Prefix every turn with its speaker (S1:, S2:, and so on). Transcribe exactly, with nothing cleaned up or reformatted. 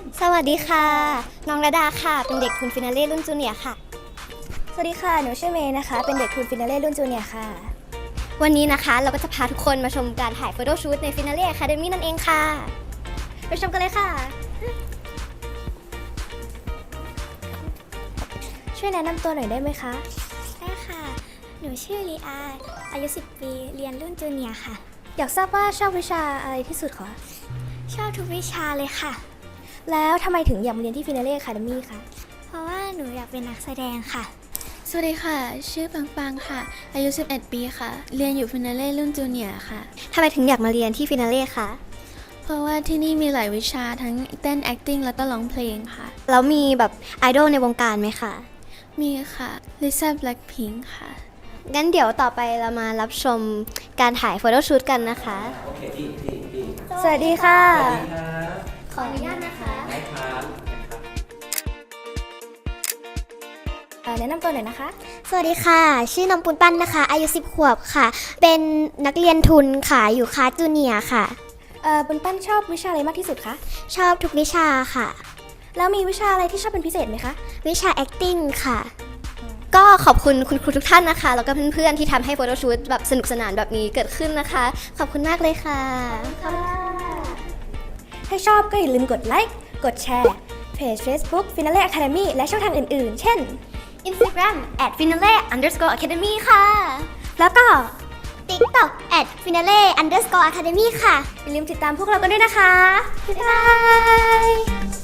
S1: สวัสดีค่ะน้องระดาค่ะเป็นเด็กทุนฟินาเล่รุ่นจูเนียร์ค่ะ
S2: สวัสดีค่ะหนูชื่อเมย์นะคะเป็นเด็กทุนฟินาเล่รุ่นจูเนียร์ค่ะ
S1: วันนี้นะคะเราก็จะพาทุกคนมาชมการถ่ายโฟโต้ชูตในฟินาเล่อะคาเดมี่นั่นเองค่ะไปชมกันเลยค่ะ
S2: ช่วยแนะนำตัวหน่อยได้ไหมคะ
S3: ได้ค่ะ หนูชื่อลีอาอายุสิบปี เรียนรุ่นจูเนียร์ค่ะ
S2: อยากทราบว่าชอบวิชาอะไรที่สุดคะ
S3: ชอบทุกวิชาเลยค่ะ
S2: แล้วทำไมถึงอยากมาเรียนที่ฟินาเล่อะคาเดมี่คะ
S3: เพราะว่าหนูอยากเป็นนักแสดงค่ะ
S4: สวัสดีค่ะชื่อปังปังค่ะอายุสิบเอ็ดปีค่ะเรียนอยู่ฟินาเล่รุ่นจูเนียร์ค่ะ
S1: ทำไมถึงอยากมาเรียนที่ฟินาเล่คะ
S4: เพราะว่าที่นี่มีหลายวิชาทั้งเต้น acting แล้วก็ร้องเพลงค่ะ
S1: แล้วมีแบบไอดอลในวงการไหมคะ
S4: มีค่ะลิซ่าแบล็คพิงค์ค่ะ
S1: งั้นเดี๋ยวต่อไปเรามารับชมการถ่ายโฟโต้ชูตกันนะคะ
S2: สวัสดีค่ะ
S1: ขออนุญาตนะคะ
S2: แนะนำตัวหน่อยนะคะ
S1: สวัสดีค่ะชื่อน้องปุนปั้นนะคะอายุสิบขวบค่ะเป็นนักเรียนทุนค่ะอยู่คลาสจูเนียร์ค่ะ
S2: เอ่อปุณปั้นชอบวิชาอะไรมากที่สุดคะ
S1: ชอบทุกวิชาค่ะ
S2: แล้วมีวิชาอะไรที่ชอบเป็นพิเศษไหมคะ
S1: วิชา acting ค่ะก็ขอบคุณคุณครูทุกท่านนะคะแล้วก็เพื่อนๆที่ทำให้โฟโต้ชูตแบบสนุกสนานแบบนี้เกิดขึ้นนะคะขอบคุณมากเลยค่ะ
S2: ถ้าชอบก็อย่าลืมกดไลค์กดแชร์เพจ Facebook Finale Academy และช่องทางอื่นๆ เช่น
S1: Instagram at finale underscore academy ค่ะ
S2: แล้วก็
S1: TikTok at finale underscore academy ค่ะ
S2: อย่าลืมติดตามพวกเรากันด้วยนะคะ
S1: บ๊ายบาย